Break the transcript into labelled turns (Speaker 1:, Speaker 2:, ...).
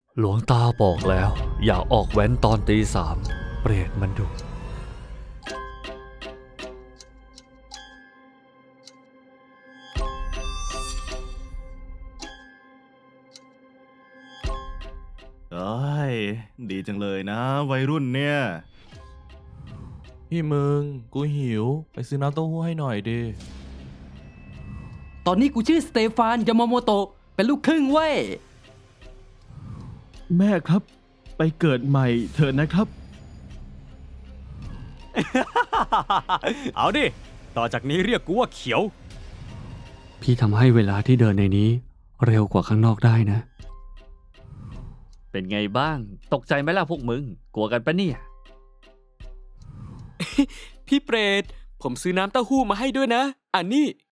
Speaker 1: หลวงตาบอกแล้ว อย่าออกแว้นตอนตี 3เปรตมันดุ
Speaker 2: เอ้ยดีจังเลยนะวัยรุ่นเนี่ย
Speaker 3: พี่มึงกูหิวไปซื้อน้ำเต้าหู้ให้หน่อยดิ
Speaker 4: ตอนนี้กูชื่อสเตฟานยามาโมโตะเป็นลูกครึ่งเว้ย
Speaker 5: แม่ครับ ไปเกิดใหม่เถอะนะครับ
Speaker 6: เอาดิ ต่อจากนี้เรียกกูว่าเขียว
Speaker 1: พี่ทำให้เวลาที่เดินในนี้ เร็วกว่าข้างนอกได้นะ เป็นไงบ้าง ตกใจไหมล่ะพวกมึง กลัวกันปะเนี่ย
Speaker 7: พี่เปรตผมซื้อน้ำเต้าหู้มาให้ด้วยนะ อันนี้